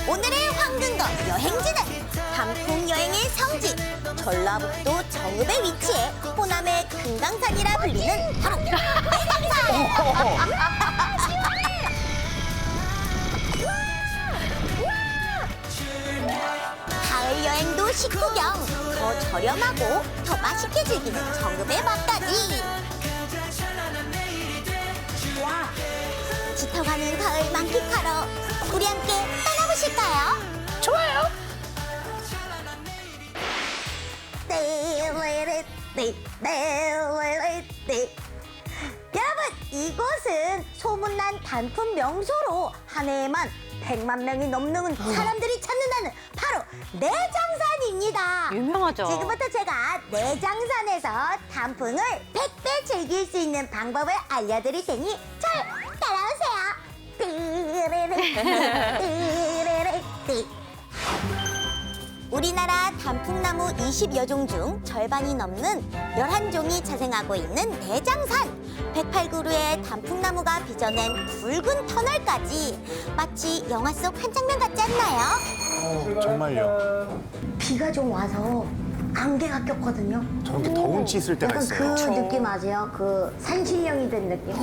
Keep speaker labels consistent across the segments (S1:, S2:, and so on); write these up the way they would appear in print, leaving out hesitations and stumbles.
S1: 오늘의 황금거 여행지는 단풍 여행의 성지 전라북도 정읍에 위치해 호남의 금강산이라 불리는 바로 가을 여행도 식구경 더 저렴하고 더 맛있게 즐기는 정읍의 맛까지 짙어가는 가을 만끽하러 우리 함께 떠나보실까요?
S2: 좋아요.
S1: 여러분, 이곳은 소문난 단풍 명소로 한 해에만 100만 명이 넘는 사람들이 찾는다는 바로 내장산입니다.
S2: 유명하죠.
S1: 지금부터 제가 내장산에서 단풍을 100배 즐길 수 있는 방법을 알려드릴 테니 잘 따라오세요. 우리나라 단풍나무 20여 종 중 절반이 넘는 11종이 자생하고 있는 내장산. 108그루의 단풍나무가 빚어낸 굵은 터널까지 마치 영화 속 한 장면 같지 않나요?
S3: 정말요.
S1: 비가 좀 와서 안개가 꼈거든요.
S3: 저렇게 더운 치 있을 때가
S1: 약간
S3: 있어요.
S1: 그 느낌 아세요? 그 산신령이 된 느낌.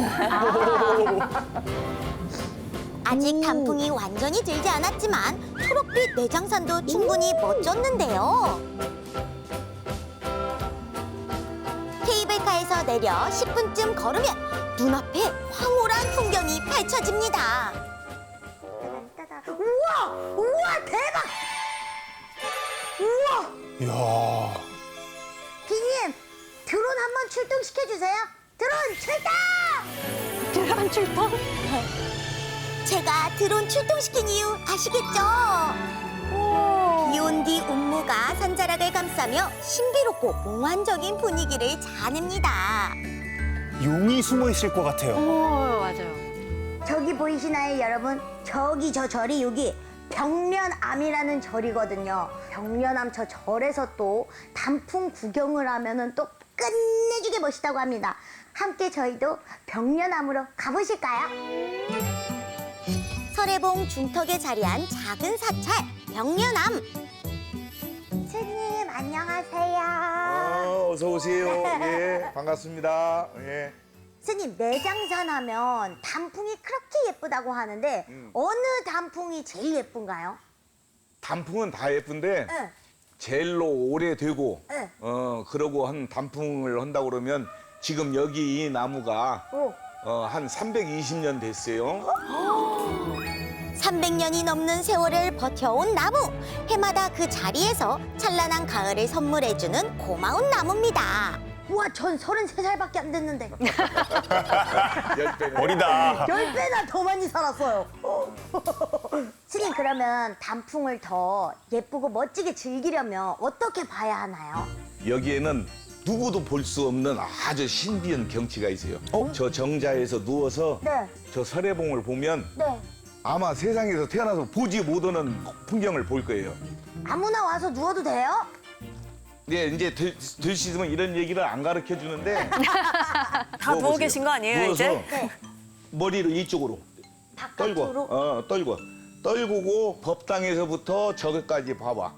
S1: 아직 단풍이 완전히 들지 않았지만 초록빛 내장산도 충분히 멋졌는데요. 케이블카에서 내려 10분쯤 걸으면 눈앞에 황홀한 풍경이 펼쳐집니다. 우와! 우와! 대박! 우와!
S3: 이야.
S1: 비님, 드론 한번 출동시켜주세요. 드론 출동!
S2: 드럼 출동?
S1: 제가 드론 출동시킨 이유 아시겠죠? 비온 뒤 운무가 산자락을 감싸며 신비롭고 몽환적인 분위기를 자아냅니다.
S3: 용이 숨어 있을 것 같아요.
S2: 맞아요.
S1: 저기 보이시나요, 여러분? 저기 저 절이 여기 벽면암이라는 절이거든요. 벽면암 저 절에서 또 단풍 구경을 하면은 또 끝내주게 멋있다고 합니다. 함께 저희도 벽면암으로 가보실까요? 설해봉 중턱에 자리한 작은 사찰 벽면암. 스님 안녕하세요.
S4: 어서 오세요. 예, 반갑습니다. 예.
S1: 스님, 내장산 하면 단풍이 그렇게 예쁘다고 하는데 어느 단풍이 제일 예쁜가요?
S4: 단풍은 다 예쁜데
S1: 네.
S4: 제일로 오래되고
S1: 네.
S4: 그러고 한 단풍을 한다고 그러면 지금 여기 이 나무가
S1: 오.
S4: 한 320년 됐어요.
S1: 300년이 넘는 세월을 버텨온 나무. 해마다 그 자리에서 찬란한 가을을 선물해주는 고마운 나무입니다. 우와, 전 33살밖에 안 됐는데
S4: 10배는.
S3: 어리다.
S1: 10배나 더 많이 살았어요. 스님, 그러면 단풍을 더 예쁘고 멋지게 즐기려면 어떻게 봐야 하나요?
S4: 여기에는 누구도 볼 수 없는 아주 신비한 경치가 있어요. 저 정자에서 누워서
S1: 네.
S4: 저 설해봉을 보면
S1: 네.
S4: 아마 세상에서 태어나서 보지 못하는 풍경을 볼 거예요.
S1: 아무나 와서 누워도 돼요?
S4: 네, 이제 될 수 있으면 이런 얘기를 안 가르쳐 주는데
S2: 다 누워 계신 거 아니에요,
S4: 누워서
S2: 이제?
S1: 네.
S4: 머리를 이쪽으로
S1: 바깥으로?
S4: 떨고 법당에서부터 저기까지 봐봐.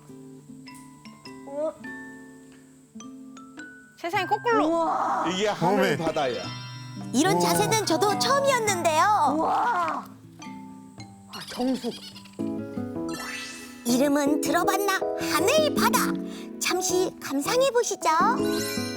S2: 세상에 거꾸로.
S1: 우와.
S4: 이게 하늘
S3: 어메.
S4: 바다야.
S1: 이런 자세는 저도 처음이었는데요. 우와. 정숙. 이름은 들어봤나? 하늘 바다. 잠시 감상해 보시죠.